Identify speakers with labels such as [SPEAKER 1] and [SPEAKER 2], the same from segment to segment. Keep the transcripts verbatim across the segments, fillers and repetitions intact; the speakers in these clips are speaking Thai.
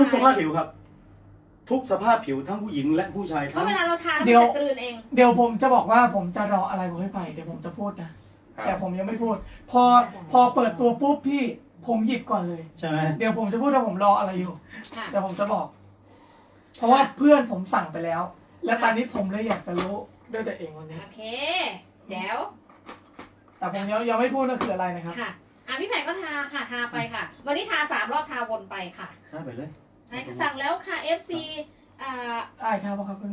[SPEAKER 1] ทุกสภาพผิวครับ ทุกสภาพผิวทั้งผู้หญิงและผู้ชาย
[SPEAKER 2] เพ
[SPEAKER 1] ทั้ง
[SPEAKER 2] ราะเวลาเราทาน
[SPEAKER 3] เดี๋ยว
[SPEAKER 2] มันจะกลืนเอง
[SPEAKER 3] เดี๋ยวผมจะบอกว่าผมจะรออะไรผมไม่ไปเดี๋ยวผมจะพูดนะแต่ผมยังไม่พูด พอพอเปิดตัวปุ๊บพี่ผมหยิบก่อนเลย
[SPEAKER 1] ใช่ไหม
[SPEAKER 3] เดี๋ยวผมจะพูดว่าผมรออะไรอยู่
[SPEAKER 2] ค่ะ
[SPEAKER 3] เดี๋ยวผมจะบอก เพราะว่าเพื่อนผมสั่งไปแล้ว และตอนนี้ผมเลยอยากจะรู้ด้วยตัวเองวันนี้
[SPEAKER 2] โอเค เดี๋ยว
[SPEAKER 3] แต่ผมยังยังไม่พูดว่าคืออะไรนะครับ
[SPEAKER 2] ค่ะ อ่ะพี่แผ่ก็ทาค่ะ ทาไปค่ะ วันนี้ทาสามรอบทาวนไปค่ะ
[SPEAKER 1] ได้ไปเลย
[SPEAKER 2] ใช่ค่ะสั่งแล้วค่ะ เอฟ ซี อ่า
[SPEAKER 3] ไอ้ายครับครับเพื่อน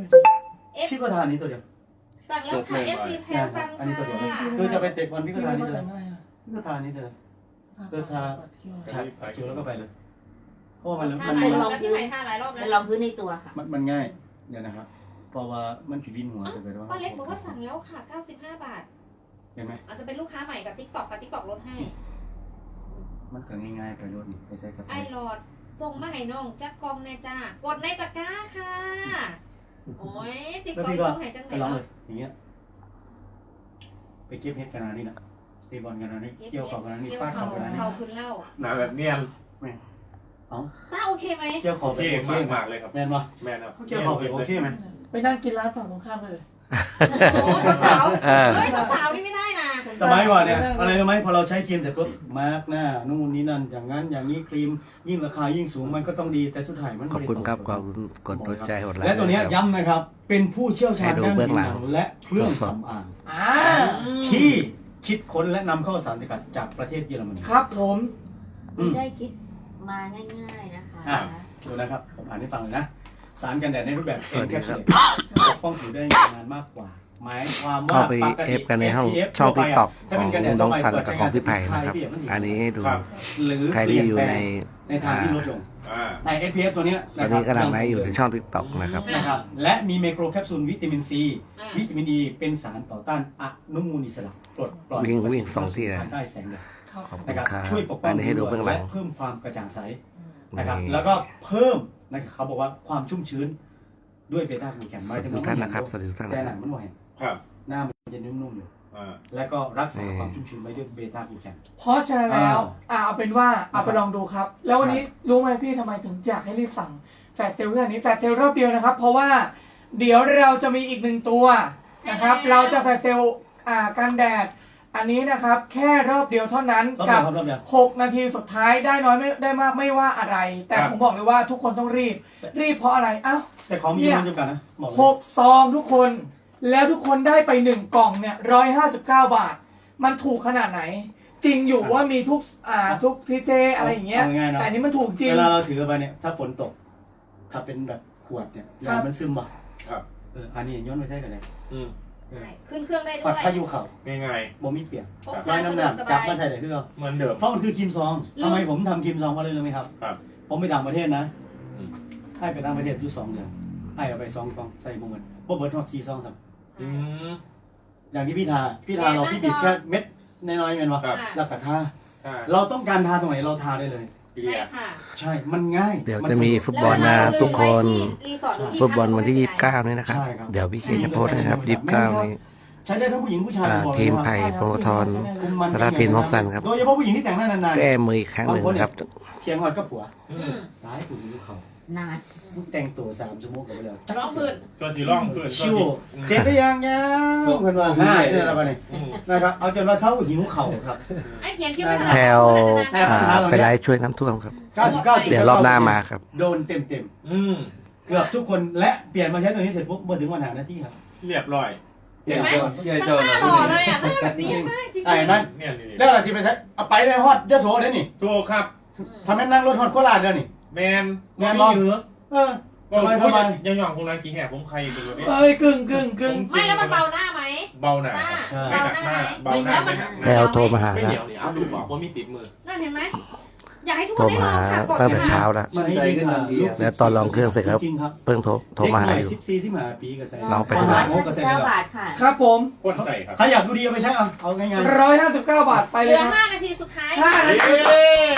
[SPEAKER 2] F
[SPEAKER 1] พี่ก็ทานนี้ตัวเดียว
[SPEAKER 2] สั่งแล้วค่ะ เอฟ ซี แพรสั่ง
[SPEAKER 1] อันนี้ตัวเดียว
[SPEAKER 2] ค่ะ
[SPEAKER 1] คือจะไปเตะบอลพี่ก็
[SPEAKER 3] พี่
[SPEAKER 1] ทาน
[SPEAKER 3] ไม่
[SPEAKER 1] นี้
[SPEAKER 3] ต้
[SPEAKER 1] ตัว
[SPEAKER 3] อง
[SPEAKER 1] เดียว
[SPEAKER 3] แต่งหน้า
[SPEAKER 1] พี่ก็ทานนี้ตัวเดียว เออทา
[SPEAKER 3] ใช่
[SPEAKER 1] ใช้คิวแล้วก็ไปเลยเพราะว่ามัน
[SPEAKER 2] ทา
[SPEAKER 1] มัน
[SPEAKER 2] หลายร
[SPEAKER 1] มัน
[SPEAKER 2] อบแล้วพี่แผ่ทาหลายรอบแล้
[SPEAKER 4] เป็
[SPEAKER 2] วน
[SPEAKER 4] รองพื้นในตัวค่ะ
[SPEAKER 1] มันมันง่ายเดี๋ยวนะครับเพราะว่ามันผิดวินหัวจะไปว่า
[SPEAKER 2] ป้าเล็กบอกว่าสั่งแล้วค่ะ เก้าสิบห้า บาท
[SPEAKER 1] เห็นไหม
[SPEAKER 2] อาจจะเป็นลูกค้าใหม่กับ ติ๊กต็อก ค่ะ ติ๊กต็อก ลดให้
[SPEAKER 1] มันก็ง่ายๆไปรถนี่ไปใช้กับ
[SPEAKER 2] ไอหลอดส่งมาให้น้องจักกองแน่จ้ากดในตะกร้าค่ะ โอ้ยติ๊ก
[SPEAKER 1] แล้ว
[SPEAKER 2] ต็อก
[SPEAKER 1] พี่ก็
[SPEAKER 2] ส่งให้จังไหน
[SPEAKER 1] ไปร้อง
[SPEAKER 2] เนาะ
[SPEAKER 1] เลยอย่างเงี้ยไปเก็บเฮ็ดกันนานี่นะตีบอลกันนานี่เกี่ยวกับกันนานี่
[SPEAKER 2] เกี่ยว
[SPEAKER 1] ฟาด
[SPEAKER 2] เขา
[SPEAKER 1] เข่ากันนานี่
[SPEAKER 2] เขาคืนเหล่า
[SPEAKER 5] หนาแบบเนียน
[SPEAKER 1] ไม่เอ้า
[SPEAKER 2] ตาโอเคไหม
[SPEAKER 1] เกี่ยวขอบ
[SPEAKER 5] โอ
[SPEAKER 1] ไป
[SPEAKER 5] เค
[SPEAKER 1] โอเค
[SPEAKER 5] มาก
[SPEAKER 1] ไหม
[SPEAKER 5] มากเลยครับ
[SPEAKER 1] แมนปะ
[SPEAKER 5] แมนครับ
[SPEAKER 1] เกี่ยวขอบไปโอเคไหม
[SPEAKER 3] ไปนั่งกินร้านฝั่งตรงข้ามไปเลย
[SPEAKER 2] โอ้สาวๆ
[SPEAKER 6] เออ
[SPEAKER 2] เฮ้ยสาวๆนี่ไม่ได้นะ
[SPEAKER 1] สมัยก่อนเนี่ยอะไรรู้ไหมพอเราใช้ครีมเสร็จปุ๊บมาร์กหน้านู่นนี่นั่นอย่างนั้นอย่างนี้ครีมยิ่งราคายิ่งสูงมันก็ต้องดีแต่สุดท้ายมัน
[SPEAKER 6] ขอบ
[SPEAKER 1] ไม่ได้
[SPEAKER 6] คุณครับ
[SPEAKER 1] ต
[SPEAKER 6] ขอบคุณกดหัวใจหดไลค์
[SPEAKER 1] และตัวเนี้ย
[SPEAKER 6] นะครับ
[SPEAKER 1] ย้ำนะครับ เป็นผู้เชี่ยวชาญ
[SPEAKER 6] ให้ดู
[SPEAKER 1] ด้าน
[SPEAKER 6] เบื้
[SPEAKER 1] ผิ
[SPEAKER 6] อง
[SPEAKER 1] ว
[SPEAKER 6] หลั
[SPEAKER 1] ห
[SPEAKER 6] ง
[SPEAKER 1] นังและเครื่อง
[SPEAKER 6] ตรวจสอบ
[SPEAKER 1] สำอาง
[SPEAKER 3] อ่า
[SPEAKER 1] ที่คิดค้นและนำเข้าสารสกัดจากประเทศเยอรมนี
[SPEAKER 3] ครับผม
[SPEAKER 1] อืม
[SPEAKER 4] ไม่ได้คิดมาง่ายๆนะคะ
[SPEAKER 1] อ่ะ ดูนะครับผมอ่านให้ฟังเลยนะ สารกันแดดในรูปแบบ
[SPEAKER 6] สวัสดีครับ
[SPEAKER 1] ปกป้องผิวได้นานมากกว่า หมายความว่า
[SPEAKER 6] เข้าไป
[SPEAKER 1] ปกติ
[SPEAKER 6] เอฟกันในห้อง
[SPEAKER 1] เอฟ
[SPEAKER 6] ช่อง
[SPEAKER 1] ทั่
[SPEAKER 6] ทิ
[SPEAKER 1] ว
[SPEAKER 6] ก
[SPEAKER 1] ไป
[SPEAKER 6] ตอก
[SPEAKER 1] ถ้า
[SPEAKER 6] ข
[SPEAKER 1] เป็
[SPEAKER 6] อง
[SPEAKER 1] นกันแดด
[SPEAKER 6] น้อง
[SPEAKER 1] ทั่วไป
[SPEAKER 6] สันกับของพี่ไผ่นะครับ
[SPEAKER 1] เปิดใช้งานเป็น
[SPEAKER 6] อันนี้ให้ดู
[SPEAKER 5] ครับ
[SPEAKER 1] หรือ
[SPEAKER 6] ใครที่อยู่ใน
[SPEAKER 1] ในทางที่ลดลง
[SPEAKER 5] อ่า
[SPEAKER 1] แต่ เอส พี เอฟ ตัวเนี้ย
[SPEAKER 6] ตอนนี้กำลังไลฟ์อยู่ในช่องทิกตอกนะครับ
[SPEAKER 1] นะครับและมีไมโครแคปซูลวิตามินซี
[SPEAKER 2] อ่า
[SPEAKER 1] วิตามินอีเป็นสารต่อต้านอนุมูลอิสระปลดปล่อย
[SPEAKER 6] วิ่งวิ่ง
[SPEAKER 1] ประสิทธิภาพ
[SPEAKER 6] สองที่นะ
[SPEAKER 1] ภายใต้แสงแดด
[SPEAKER 3] ครับ
[SPEAKER 6] ขอบคุ
[SPEAKER 1] นะ
[SPEAKER 6] ณ
[SPEAKER 1] ครับ
[SPEAKER 6] ครับ
[SPEAKER 1] ช่วยปกป้อง
[SPEAKER 6] อันนี้ให้ดูเบื้องหลัง
[SPEAKER 1] และเพิ่มความกระจ่างใส นะครับ
[SPEAKER 6] นี่
[SPEAKER 1] แล้วก็เพิ่มนะครับเขาบอกว่าความชุ่มชื้นด้วยเบต้ากูแคน
[SPEAKER 6] ส
[SPEAKER 1] หมา
[SPEAKER 6] วั
[SPEAKER 1] ย
[SPEAKER 6] ส
[SPEAKER 1] ถึ
[SPEAKER 6] ดี
[SPEAKER 1] ง
[SPEAKER 6] ทุกท่านนะครับสวัสดีทุกท่าน
[SPEAKER 1] แต่
[SPEAKER 6] นะ
[SPEAKER 1] ห
[SPEAKER 6] ค
[SPEAKER 1] นั
[SPEAKER 6] รับ
[SPEAKER 1] งมันบ่เห็น
[SPEAKER 5] ครับ
[SPEAKER 1] หน้ามันจะนุ่มๆอยู่
[SPEAKER 5] อ่า
[SPEAKER 1] แล้วก็รักษา
[SPEAKER 6] นี่
[SPEAKER 1] ความชุ่มชื้นไว้ด้วยเบต้ากูแคน
[SPEAKER 3] เพราะฉะนั้นแล้ว
[SPEAKER 1] อ่า
[SPEAKER 3] อ่าเอาเป็นว่าเอาไป
[SPEAKER 1] นะครับ
[SPEAKER 3] ลองดูครับ แล้ววันนี้รู้ไหมพี่ทำไมถึงอยากให้รีบสั่งแฟลชเซลล์เรื่องนี้แฟลชเซลล์รอบเดียวนะครับ เพราะว่าเดี๋ยวเราจะมีอีกหนึ่งตัวนะครับ
[SPEAKER 2] ใช่แล้ว
[SPEAKER 3] เราจะแฟลชเซลล์อ่ากันแดด อันนี้นะครับ แค่รอบเดียวเท่านั้น
[SPEAKER 1] รอบ
[SPEAKER 3] กั
[SPEAKER 1] เดียวครับรอบเดียว
[SPEAKER 3] หกนาทีสุดท้ายได้น้อยไม่ได้มากไม่ว่าอะไร แต่
[SPEAKER 5] ครับ
[SPEAKER 3] ผมบอกเลยว่าทุกคนต้องรีบ รีบเพราะอะไรอ้าว
[SPEAKER 1] แต่ของมี
[SPEAKER 3] เนี่ย
[SPEAKER 1] มันจำกัดนะบอกเลย
[SPEAKER 3] หกซองทุกคน แล้วทุกคนได้ไปหนึ่งกล่องเนี่ยร้อยห้าสิบเก้าบาท มันถูกขนาดไหน จริงอยู่ว่ามีทุกอ่าทุกทีเจอะไรอย่างเงี้ย
[SPEAKER 1] เอาง่ายๆเนอะ
[SPEAKER 3] แต่อันนี้มันถูกจริง
[SPEAKER 1] เวลาเราถือไปเนี่ยถ้าฝนตก ถ้าเป็นแบบขวดเนี่ย
[SPEAKER 3] ครับ
[SPEAKER 1] ยามันซึมบ่
[SPEAKER 5] ครับ
[SPEAKER 1] เอออันนี้ย้อนไม่ใช่กันเลย
[SPEAKER 5] อืม
[SPEAKER 1] เออ
[SPEAKER 2] ขึ้นเครื่องได้ด้
[SPEAKER 1] ปั
[SPEAKER 2] ว
[SPEAKER 1] ด
[SPEAKER 2] ย
[SPEAKER 1] พายุเข่า
[SPEAKER 5] ง่าย
[SPEAKER 1] บ่มีเปียก
[SPEAKER 2] พก
[SPEAKER 1] ร้อ
[SPEAKER 2] พาย สะ
[SPEAKER 1] น้ำ
[SPEAKER 2] ดวก
[SPEAKER 1] น้ำ
[SPEAKER 2] ส
[SPEAKER 1] จับบ
[SPEAKER 2] าย
[SPEAKER 1] มาใส่ได้คือเอา
[SPEAKER 5] ๆเหมือนเดิม
[SPEAKER 1] เพราะมันคือครีมซอง
[SPEAKER 2] ลืม
[SPEAKER 1] ทำไมผมทำครีมซองมาเลยรู้ไหมครับ
[SPEAKER 5] ครับ
[SPEAKER 1] ผมไปต่างประเทศนะ
[SPEAKER 5] อืม
[SPEAKER 1] ให้ไปต่างประเทศอยู่สองเดือนให้เอาไปสองกล่องใส่บุ้งเงินบ่เบิร์ดทอดซีซองสัก
[SPEAKER 5] อืม
[SPEAKER 1] อย่างที่พี่ทาพี่ทาเราพี่ติดแค่เม็ดน้อยๆเม็นวะ
[SPEAKER 5] ครับ
[SPEAKER 1] แล้วก็ทา
[SPEAKER 5] ใช่
[SPEAKER 1] เราต้องการทาตรงไหนเราทาได้เลย
[SPEAKER 5] เกลี
[SPEAKER 2] ใช่
[SPEAKER 5] ย
[SPEAKER 2] ค่ะ
[SPEAKER 1] ใช่ มันง่าย
[SPEAKER 6] เดี๋ยว
[SPEAKER 1] มัน
[SPEAKER 6] จะมี
[SPEAKER 1] สะดวก
[SPEAKER 6] ฟุตบอลนะทุกคน
[SPEAKER 2] รีสอร์ทหรือที่
[SPEAKER 6] ฟุตบอลวันที่
[SPEAKER 2] พั
[SPEAKER 6] ยี่
[SPEAKER 2] ก
[SPEAKER 6] สิบเก้านี่นะครับ
[SPEAKER 1] ใช่ครับ
[SPEAKER 6] เดี๋ยวพี่เคจะโพสต์นะครับยี่สิบเก้านี้
[SPEAKER 1] ใช้ได้ทั้งผู้หญิงผู้ชาย
[SPEAKER 6] อ่า
[SPEAKER 1] บอกเลย
[SPEAKER 6] ทีม
[SPEAKER 1] ว่า
[SPEAKER 6] ไผ่พงศธร
[SPEAKER 1] คุมมัน
[SPEAKER 6] พัฒทีมน้องสันครับ
[SPEAKER 1] โดยเฉพาะผู้หญิงที่แต่งหน้านาน
[SPEAKER 6] แก้มืออีกครั้งหนึ่งนะครับ
[SPEAKER 1] ๆเถียงหอดกับผัว
[SPEAKER 5] อื
[SPEAKER 2] อื
[SPEAKER 5] ม
[SPEAKER 2] ม
[SPEAKER 1] ร้ายผู้หญิงเขา
[SPEAKER 4] นาน
[SPEAKER 1] แต่งตัวสามชั่วโมงกับไปเลย
[SPEAKER 2] ร้องพื้น
[SPEAKER 5] ตัวสีร่องขึ้น
[SPEAKER 1] ชิวเจ็บได้ยังยังเพิ่นว่าง่ายเนี่ยอะไรนี่
[SPEAKER 5] อืม
[SPEAKER 1] นะครับเอาจนว่าเช้าหิวเข่าครับ
[SPEAKER 2] ไอ้เขียนคิ้วไม่ทัน
[SPEAKER 6] แพลวอ่าไปไลฟ์ช่วยน้ำท่วมครับ
[SPEAKER 1] เก้าสิบเก้า
[SPEAKER 6] เดี๋ยวรอบหน้ามาครับ
[SPEAKER 1] โดนเต็มเต็ม
[SPEAKER 5] อืม
[SPEAKER 1] ๆเกือบทุกคนและเปลี่ยนมาใช้ตัวนี้เสร็จปุ๊บเมื่อถึงวันหาหน้าที่ครับ
[SPEAKER 5] เรียบร้อย
[SPEAKER 2] เห็นไหม
[SPEAKER 1] เปลี่ยน
[SPEAKER 2] หน้าหล่อเลยอ่ะหน้าแบบนี้มากจริง
[SPEAKER 1] ไอ้นั่น
[SPEAKER 5] เนี่ยนี่
[SPEAKER 1] แล้วอะไรที่ไปใช้เอาไปในฮอตยะโสได้นี่
[SPEAKER 5] ถูกครับ
[SPEAKER 1] ทำให้นั่งรถฮอตโคราชเดี๋ยวนี่
[SPEAKER 5] แมน
[SPEAKER 1] แมนบอลเออ
[SPEAKER 5] ก็
[SPEAKER 1] ทำไม
[SPEAKER 5] ทำ
[SPEAKER 1] ทำไม
[SPEAKER 5] ยังหย่องคงไรขี้แหบผมใครเป็นตัวนี้
[SPEAKER 3] เอ้ยกึ่งกึ่งกึ่ง
[SPEAKER 2] ไม่แล้วมันเบาหน้าไหม
[SPEAKER 5] เบาหนา
[SPEAKER 2] หน้า
[SPEAKER 1] ใช่
[SPEAKER 5] ไม่หนักหน้าเบาหน้าไม่หนักห
[SPEAKER 6] แพล
[SPEAKER 5] น้าว
[SPEAKER 6] โทรมาหา
[SPEAKER 5] ไม่
[SPEAKER 6] แล้ว
[SPEAKER 5] เหนียวนี่เอาดูบอกว่ามีติดมือ
[SPEAKER 2] นั่นเห็นไหมอยากให้ทุกค
[SPEAKER 6] โทร
[SPEAKER 2] นได้
[SPEAKER 6] มา
[SPEAKER 2] ลอง
[SPEAKER 6] หา
[SPEAKER 2] ค่ะกด
[SPEAKER 6] ตั้งแต่
[SPEAKER 2] นะคะ
[SPEAKER 6] เช้าแล้ว
[SPEAKER 1] มันใจขึ้นทันที
[SPEAKER 6] แล้วตอนลองเครื่องเสร็จครับ
[SPEAKER 1] จริงๆครับ
[SPEAKER 6] เพิ่งโทรโทรมาหาอยู่
[SPEAKER 1] สิบสี่สิบห้าปีก็ใส่
[SPEAKER 6] ลองไป
[SPEAKER 1] ดู
[SPEAKER 6] ดู
[SPEAKER 4] ร้อย
[SPEAKER 1] โอ้
[SPEAKER 4] ห้า
[SPEAKER 1] ก็
[SPEAKER 4] สิ
[SPEAKER 1] ใส่
[SPEAKER 4] บ
[SPEAKER 1] ไป
[SPEAKER 4] เก้า
[SPEAKER 1] แล้ว
[SPEAKER 4] บาทค่ะ
[SPEAKER 3] ครับผม
[SPEAKER 5] พ่นใส่ครับ
[SPEAKER 1] ถ้าอยากดูดีเอาไปใช้เอาเอาง่าย
[SPEAKER 3] ร้อยห้าสิบเก้าบาทไป
[SPEAKER 2] เห
[SPEAKER 3] เล
[SPEAKER 2] ลื
[SPEAKER 3] ย
[SPEAKER 2] อ
[SPEAKER 3] ครับ
[SPEAKER 2] ห้านาทีสุดท้าย
[SPEAKER 3] ห้า
[SPEAKER 2] ค่ะ
[SPEAKER 3] นาที
[SPEAKER 5] เย้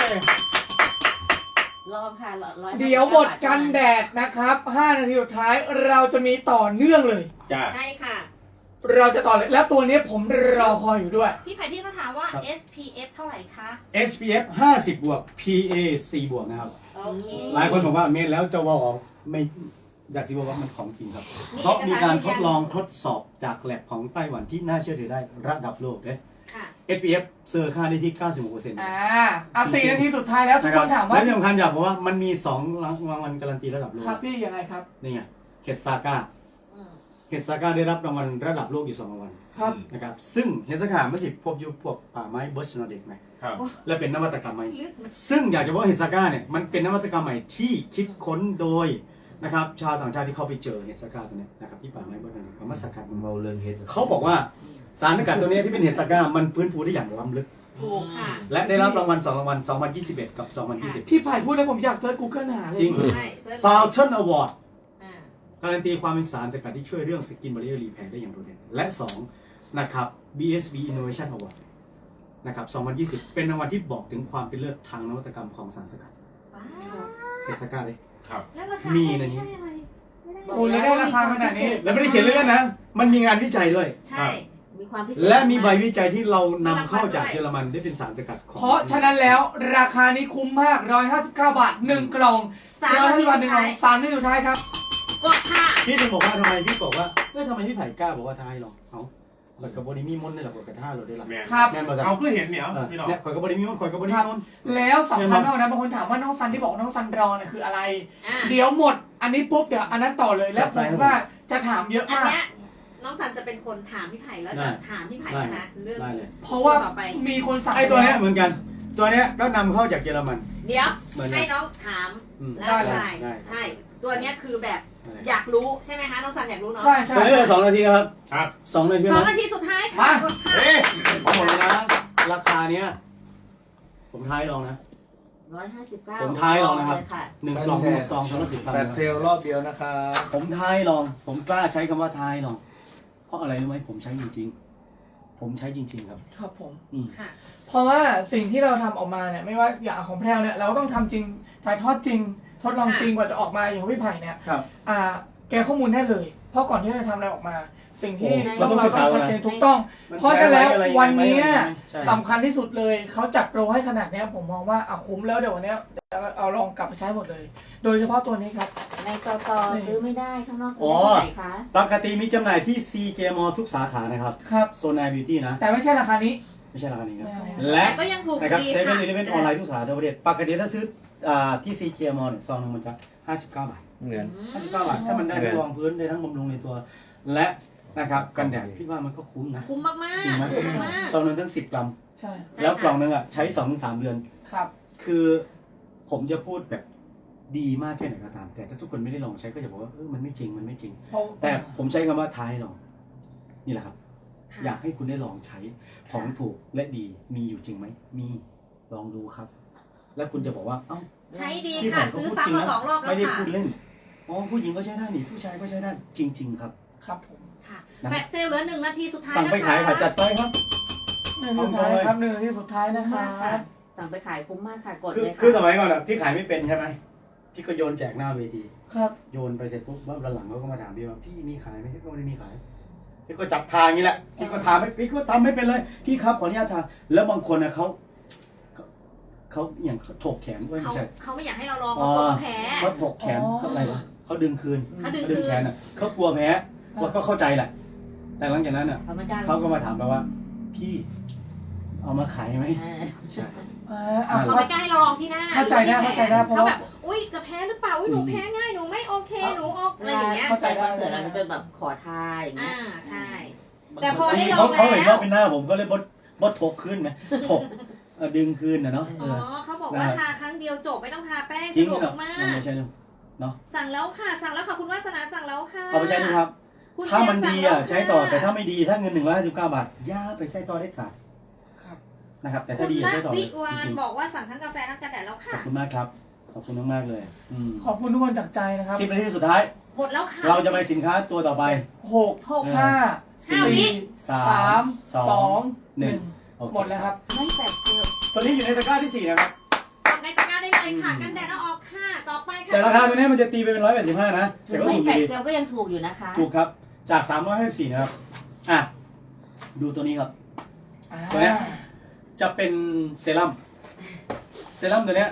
[SPEAKER 4] รอบค่ะร้อย
[SPEAKER 3] เดี๋ยวหมดกันแดดนะครับห้านาทีสุดท้ายเราจะมีต่อเนื่องเลย
[SPEAKER 5] จ้า
[SPEAKER 2] ใช่ค่ะ
[SPEAKER 3] เราจะต่อเลย แล้วตัวนี้ผมรอคอยอยู่ด้วย
[SPEAKER 2] พี่ไผ่ที่เขาถามว่า เอส พี เอฟ เท่าไหร่คะ
[SPEAKER 1] ๆ เอส พี เอฟ ห้าสิบบวก พี เอ สี่บวกนะครับ
[SPEAKER 2] โอโอเค
[SPEAKER 1] หลายคนบอกว่าเมนแล้วจะว่าออกไม่อยากสิบอกว่ามันของจริงครับ
[SPEAKER 2] มี
[SPEAKER 1] เพราะมีการทดลอง
[SPEAKER 2] เอกสารยืนยัน
[SPEAKER 1] ทดสอบจากแลบของไต้หวันที่น่าเชื่อถือได้ระดับโลกเลย
[SPEAKER 2] ค่ะ
[SPEAKER 1] เอส พี เอฟ เซอร์ค่าได้ที่ เก้าสิบหกเปอร์เซ็นต์
[SPEAKER 3] อ่าอ่ะสี่นาทีสุดท้ายแล้วทุก
[SPEAKER 1] นะ
[SPEAKER 3] ค
[SPEAKER 1] ครับ
[SPEAKER 3] นถามว่า
[SPEAKER 1] และที่สำคัญอยากบอกว่ามันมีสองรางวัลการันตีระดับโลก
[SPEAKER 3] ครับพี่ยังไงครับ
[SPEAKER 1] นี่ไงเฮดซาก้า
[SPEAKER 4] อืม
[SPEAKER 1] เฮดซาก้าได้รับรางวัลระดับโลกอยู่สองรางวัล
[SPEAKER 3] ครับ
[SPEAKER 1] นะครับซึ่งเฮดซาก้าไม่ใช่พบอยู่พวกป่าไม้เบิร์ชนอเด็กไหม
[SPEAKER 5] ครับ
[SPEAKER 1] และเป็นนวัตกรรมใหม่
[SPEAKER 2] ลึกมัน
[SPEAKER 1] ซึ่งอยากจะบอกว่าเฮดซาก้าเนี่ยมันเป็นนวัตกรรมใหม่ที่คิดค้นโดยนะครับชาวต่างชาติที่เข้าไปเจอเฮดซาก้าตัวเนี้ยนะครับที่ป่าไม้เบิร์ชนอเด็กเขามาสกัดมัน
[SPEAKER 7] เมาเรื่องเฮ็ด
[SPEAKER 1] เขาบอกว่าสารสกัดตัวเนี้ยที่เป็นเฮดซาก้ามันฟื้นฟูได้อย่างล้ำลึก
[SPEAKER 2] ถูกค่ะ
[SPEAKER 1] และได้รับรางวัลสองรางวัลสองพันยี่สิบเอ็ดกับสองพันยี่สิบ
[SPEAKER 3] พี่ไผ่พูดแล้วผมอยากเซิร์ช Google หาเลย
[SPEAKER 1] จริง
[SPEAKER 2] ใช่เซิร์ช
[SPEAKER 1] ฟาวชั่นอวอร์ด
[SPEAKER 2] อ่า
[SPEAKER 1] การันตีความเป็นสารสกัดที่ช่วยเรื่องสกินบาริเออร์รีแพร์ได้อย่างโดดเด่นและสองนะครับ บี เอส บี Innovation Award นะครับสองพันยี่สิบเป็นรางวัลที่บอกถึงความเป็นเลิศทางนวัตกรรมของสารสกัด
[SPEAKER 2] ว้าว
[SPEAKER 1] เฮดซาก้าเลย
[SPEAKER 5] ครับ
[SPEAKER 2] แล้วราคา
[SPEAKER 1] มีในนี้
[SPEAKER 2] ได้อะไรไม่ได้
[SPEAKER 3] โอ้แล้วได้ราคาขนาดนี้
[SPEAKER 1] แล้วไม่ได้เขียนเล่นๆนะ มันมีงานวิจัยด้วย
[SPEAKER 2] ใช่
[SPEAKER 4] มีความพิเศษ
[SPEAKER 1] และมีใบวิจัยที่เรานำเข้าจากเยอรมันได้เป็นสารสกัดของ
[SPEAKER 3] เพราะฉะนั้นแล้วราคานี้คุ้มมากหนึ่งร้อยห้าสิบเก้าบาทหนึ่งกล่อง
[SPEAKER 2] สามนาที
[SPEAKER 3] ร้อย
[SPEAKER 2] สุ
[SPEAKER 3] ห้า
[SPEAKER 2] ด
[SPEAKER 3] สิบ
[SPEAKER 2] ท้าย
[SPEAKER 3] หนึ่งกล่องสามนาทีสุดท้ายครับ
[SPEAKER 2] กดค่ะ
[SPEAKER 1] พี่ถึงบอกว่าทำไมพี่บอกว่าเอ้ยทำไมพี่ไผ่กล้าบอกว่าท้ายหรอเอาข่อยกับบริมีมนต์นี่แหละข่อยกับท่าเราได้ละ
[SPEAKER 5] แมน
[SPEAKER 3] ครับ
[SPEAKER 1] แม่นบ่จ๊ะ
[SPEAKER 5] เอาคือเห็นเนี่ย
[SPEAKER 1] เออ
[SPEAKER 5] พี่น้อง
[SPEAKER 1] เนี่ยข่อยกับบริมีมนต์ข่อยกับบริมีมนต์
[SPEAKER 3] แล้วสำคัญมากนะบางคนถามว่าน้องซันที่บอกน้องซันรอเนี่ยคืออะไร
[SPEAKER 2] อ่า
[SPEAKER 3] เดี๋ยวหมด อันนี้ปุ๊บเดี๋ยวอันนั้นต่อเลยแล้วผมว่าจะถามเยอะ
[SPEAKER 2] อัน
[SPEAKER 3] มาก
[SPEAKER 2] เนี้ยน้องสันจะเป็นคนถามพี่ไผ่แล้วจะถามพี่ไผ่นะคะเรื่อง
[SPEAKER 1] ได้เลย
[SPEAKER 3] เพราะว่า
[SPEAKER 2] ต่อไป
[SPEAKER 3] มีคนสั่ง
[SPEAKER 1] ไอ้ตัวเนี้ยเหมือนกัน ตัวเนี้ยก็นำเข้าจากเยอรมัน
[SPEAKER 2] เดี๋ยว
[SPEAKER 1] เหมือนกั
[SPEAKER 2] ให้
[SPEAKER 1] น
[SPEAKER 2] น้องถาม
[SPEAKER 1] อืม
[SPEAKER 2] แล้ว
[SPEAKER 3] ได้เลย
[SPEAKER 2] ได้
[SPEAKER 1] ได้
[SPEAKER 2] ใช่ ตัวเนี้ยคือแบบ
[SPEAKER 1] ได้
[SPEAKER 2] อยากรู้ใช่ไหมคะน้องสันอยากรู้เนาะ
[SPEAKER 3] ใช่ใช่
[SPEAKER 1] ตัวนี้เหลือสองนาทีนะครับ
[SPEAKER 5] ครับ
[SPEAKER 1] สองนาที
[SPEAKER 2] สอง
[SPEAKER 1] นะ
[SPEAKER 2] นาทีสุดท้ายค่ะกดค่ะ
[SPEAKER 5] เอ๊ะ
[SPEAKER 1] ผมบอกเลยนะ ราคาเนี้ย ผมท้ายลองนะ
[SPEAKER 4] ร้อยห้าสิบเก้า
[SPEAKER 1] ผมท้ายลองนะครับ
[SPEAKER 4] เลยค่ะ
[SPEAKER 1] หนึ่งกล่องหนึ่งซองสองร้อยสิบพัน
[SPEAKER 7] แปดเทรลรอบเดียวนะครับ
[SPEAKER 1] ผมท้ายลอง ผมกล้าใช้คำว่าท้ายลอง เพราะอะไรรู้ไหมผมใช้จริง ๆ ผมใช้จริง ๆ ครับ
[SPEAKER 3] ครับผม
[SPEAKER 1] อืม
[SPEAKER 2] ค่ะ
[SPEAKER 3] เพราะว่าสิ่งที่เราทำออกมาเนี่ยไม่ว่าอย่างของแพรวเนี่ยเราก็ต้องทำจริงถ่ายทอดจริง ทดลองจริงกว่าจะออกมาอย่างของพี่ไผ่เนี่ย
[SPEAKER 1] ครับ
[SPEAKER 3] อ่าแกข้อมูลได้เลย เพราะก่อนที่จะทำอะไรออกมา สิ่งที่
[SPEAKER 1] โอ้
[SPEAKER 3] ต้อง
[SPEAKER 1] เรา
[SPEAKER 3] เรา
[SPEAKER 1] ต้อง
[SPEAKER 3] ต้อง
[SPEAKER 1] ศึกษา
[SPEAKER 3] ชัดเจน
[SPEAKER 1] นะ
[SPEAKER 3] ถูกต้อง
[SPEAKER 1] มัน
[SPEAKER 3] เพราะฉะนั้นแล้ว
[SPEAKER 1] แพ้อะไรยังไง
[SPEAKER 3] วันนี้
[SPEAKER 1] ไหมใช่
[SPEAKER 3] สำคัญที่สุดเลยเขาจัดโปรให้ขนาดเนี้ยผมมองว่าเอาคุ้มแล้วเดี๋ยววันเนี้ยเอาลองกลับไปใช้หมดเลย โดยเฉพาะตัวนี้ครับ
[SPEAKER 4] ในกตซื้อไม่ได้ข้างนอกซื้
[SPEAKER 1] อ๋
[SPEAKER 4] อ
[SPEAKER 1] อ
[SPEAKER 4] ได้ที่ไหนคะ
[SPEAKER 1] ปกติมีจำหน่ายที่ ซี เจ มอ ทุกสาขานะครับ
[SPEAKER 3] ครับ
[SPEAKER 1] โซนไอบิวตี้นะ
[SPEAKER 3] แต่ไม่ใช่ราคานี้
[SPEAKER 1] ไม่ใช่ราคานี้ครับ
[SPEAKER 3] ไม่
[SPEAKER 1] และ
[SPEAKER 2] แต่ก็ยังถูก
[SPEAKER 1] นะครับ
[SPEAKER 2] ดี
[SPEAKER 1] เซเว่น
[SPEAKER 2] ค่ะ
[SPEAKER 1] อีเลฟเว่นออนไลน์ทุกสาขาทั่วประเทศปกติถ้าซื้ออ่าที่ ซี เจ มอ เนี่ยซองหนึงมันจะห้าสิบเก้าบาท
[SPEAKER 7] เหมือน
[SPEAKER 1] ห้าสิบเก้าบาทถ้ามันได้ทั้งรองพื้นได้ทั้งบำรุงในตัว และนะครับกันแดดพี่ว่ามันก็คุ้มนะ
[SPEAKER 2] คุ้มมาก
[SPEAKER 1] จริงไหม
[SPEAKER 2] ๆคุ้มมาก
[SPEAKER 1] ซองหนึงทั้งสิบกรัม
[SPEAKER 3] ใช่
[SPEAKER 2] ใช่
[SPEAKER 1] แล้ว
[SPEAKER 2] ค่ะ
[SPEAKER 1] กล่องหนึงอ่ะใช้สองถึงสามเดือน
[SPEAKER 3] ครับ
[SPEAKER 1] คือผมจะพูดแบบดีมากแค่ไหนก็ตาม แต่ถ้าทุกคนไม่ได้ลองใช้ก็จะบอกว่าเออมันไม่จริงมันไม่จริง
[SPEAKER 3] เพราะ
[SPEAKER 1] แต่ผมใช้คำว่าท้ายลองนี่แหละครับ
[SPEAKER 2] ค่ะ
[SPEAKER 1] อยากให้คุณได้ลองใช้ของถูกและดีมีอยู่จริงไหมมีลองดูครับ แล้วคุณจะบอกว่าเอ้า
[SPEAKER 2] ใช้ดี
[SPEAKER 1] พี่
[SPEAKER 2] ค่ะ
[SPEAKER 1] ผมก็
[SPEAKER 2] ซื้อ
[SPEAKER 1] พูด
[SPEAKER 2] ซ้ำมาสองรอบแล้
[SPEAKER 1] ไม่
[SPEAKER 2] ว
[SPEAKER 1] ได้
[SPEAKER 2] ค่ะ
[SPEAKER 1] พูดเล่นอ๋อผู้หญิงก็ใช้ได้นี่ผู้ชายก็ใช้ได้จริง ๆ ครับ
[SPEAKER 3] ครับผม
[SPEAKER 2] ค่ะ
[SPEAKER 1] นะ
[SPEAKER 2] แฟลชเซลเหลือหนึ่งนาทีสุดท้าย
[SPEAKER 1] สั่งไป
[SPEAKER 2] นะคะ
[SPEAKER 1] ขายค่ะจัดไปครับ
[SPEAKER 3] หนึ่งที่สุดท้ายครับหนึ่งที่สุดท้ายนะค
[SPEAKER 4] มากค่ะ
[SPEAKER 3] รับ
[SPEAKER 4] สั่งไปขายคุ้มมากค่ะ กด
[SPEAKER 1] คือ
[SPEAKER 4] เลยค่ะ
[SPEAKER 1] คือสมัยก่อนอ่ะพี่ขายไม่เป็นใช่ไหมพี่ก็โยนแจกหน้าเวที
[SPEAKER 3] ครับ
[SPEAKER 1] โยนไปเสร็จปุ๊บว่าวันหลังเขาก็มาถามพี่ว่าพี่มีขายไหมพี่ก็ไม่ได้มีขายพี่ก็จับทางอย่างนี้แหละพี่ก็ถามไม่พี่ก็ทำไม่เป็นเลย พี่ครับขออนุญาตทางแล้วบางคนนะเขาเขาเขาอย่างเขาถกแขนด้วย
[SPEAKER 2] เขา
[SPEAKER 1] ไม่ใช่
[SPEAKER 2] เขาไม่อยากให้เราลอง
[SPEAKER 1] อ๋
[SPEAKER 2] เขา
[SPEAKER 1] อก
[SPEAKER 2] ลัวแพ้
[SPEAKER 1] เขาถกแขน
[SPEAKER 3] อ๋อ
[SPEAKER 1] เขาอะไรวะเขาดึงคืน
[SPEAKER 2] เขาดึง
[SPEAKER 1] เขาดึงแขนอ่ะเขากลัวแพ้ว่าก็เข้าใจแหละ แต่หลังจากนั้นอ่ะ
[SPEAKER 4] เขาไม่กล้า
[SPEAKER 1] เขาก็มาถามเราว่า พี่เอามาขายไหม
[SPEAKER 4] เออ
[SPEAKER 1] ใช่
[SPEAKER 3] อ่าอ่ะ
[SPEAKER 2] เขาไม่กล้าให้เราลองที่หน้า
[SPEAKER 3] เข้าใจได้เข้าใจได้เพราะ
[SPEAKER 2] เขา
[SPEAKER 3] ว่า
[SPEAKER 2] แบบอุ้ยจะแพ้หรือเปล่าอุ้ยหนูแพ้ง่ายหนูไม่โอเคหนูออกอะไรอย่างเงี้ย
[SPEAKER 3] เข้าใจ
[SPEAKER 4] คอนเสิร์ตเราก็จะแบบขอทายอย่างเงี้
[SPEAKER 2] อ่าย ใช่ แต่พอได้ล
[SPEAKER 1] เขา
[SPEAKER 2] อง
[SPEAKER 1] เขาเห็น
[SPEAKER 2] แล้ว
[SPEAKER 1] ว่าเป็นหน้าผมก็เลยบดบดถกขึ้นนะถกเออดึงคืนนะเนาะเอ
[SPEAKER 2] อ๋อ
[SPEAKER 1] อ
[SPEAKER 2] เขาบอกว่าทาครั้งเดียวจบไม่ต้องทาแป้ง
[SPEAKER 1] จริ
[SPEAKER 2] สะ
[SPEAKER 1] ง
[SPEAKER 2] ดวก
[SPEAKER 1] เหรอ
[SPEAKER 2] มา
[SPEAKER 1] มัน
[SPEAKER 2] ก
[SPEAKER 1] ไม่ใช่เรื่องเนาะ
[SPEAKER 2] ๆสั่งแล้วค่ะสั่งแล้วค่ะคุณวาสนาสั่งแล้วค่ะ
[SPEAKER 1] เอาไปใช้ดูครับ
[SPEAKER 2] คุณ
[SPEAKER 1] ถ้ามัน
[SPEAKER 2] เจ
[SPEAKER 1] ดี
[SPEAKER 2] สั่งแล้ว
[SPEAKER 1] อ่ะใช้ต่อ
[SPEAKER 2] ค่ะ
[SPEAKER 1] แต่ถ้าไม่ดีถ้าเงินหนึ่งร้อยห้าสิบเก้าบาทย่าไปใช้ต่อได้ขาด
[SPEAKER 3] ครับ
[SPEAKER 1] นะครับ แต่
[SPEAKER 2] คุ
[SPEAKER 1] ถ้า
[SPEAKER 2] ณ
[SPEAKER 1] ดี
[SPEAKER 2] ละ
[SPEAKER 1] ใช้ต่อเล
[SPEAKER 2] วิ
[SPEAKER 1] ยว
[SPEAKER 2] าน
[SPEAKER 1] จริง
[SPEAKER 2] บอกว่าสั่งทั้งกาแฟทั้งกันแดดแล้ว
[SPEAKER 1] ๆข
[SPEAKER 2] ค่ะ
[SPEAKER 1] อบคุณมากครับ ขอบคุณมากๆเลยอืม
[SPEAKER 3] ขอบคุณทุกคนจากใจนะครับ
[SPEAKER 1] สิบนาทีสุดท้าย
[SPEAKER 2] หมดแล้วค่ะ
[SPEAKER 1] เราจะไปสินค้าตัวต่อไป
[SPEAKER 3] หกหกห้า
[SPEAKER 2] ห้าวิ
[SPEAKER 3] สี่
[SPEAKER 1] สา
[SPEAKER 3] สาม ม
[SPEAKER 1] สอง
[SPEAKER 3] สอง
[SPEAKER 1] ห
[SPEAKER 3] ห
[SPEAKER 1] นึ่
[SPEAKER 3] นึ่
[SPEAKER 1] ง
[SPEAKER 3] ง
[SPEAKER 1] โอเค
[SPEAKER 3] หมดแล้วครับ
[SPEAKER 4] ไม่แปดเซลล
[SPEAKER 1] ตัวนี้อยู่ในตะกร้าที่สี่นะครับ
[SPEAKER 2] กดในตะกร้าได้เลยค่ะกันแดดแล้วออกค่ะต่อไปค่ะ
[SPEAKER 1] แต่ราคาตัวนี้มันจะตีไปเป็นร้อยแปดสิบห้านะแต่ก็
[SPEAKER 4] ไม่
[SPEAKER 1] ถูกอ
[SPEAKER 4] แป
[SPEAKER 1] ยู่
[SPEAKER 4] ด
[SPEAKER 1] ดี
[SPEAKER 4] เซลลก็ยังถูกอยู่นะคะ
[SPEAKER 1] ถูกครับ จากสามร้อยห้าสิบสี่นะครับ อ่ะ ดูตัวนี้ครับ ตัวเนี้ย จะเป็นเซรั่ม เซรั่มตัวเนี้ย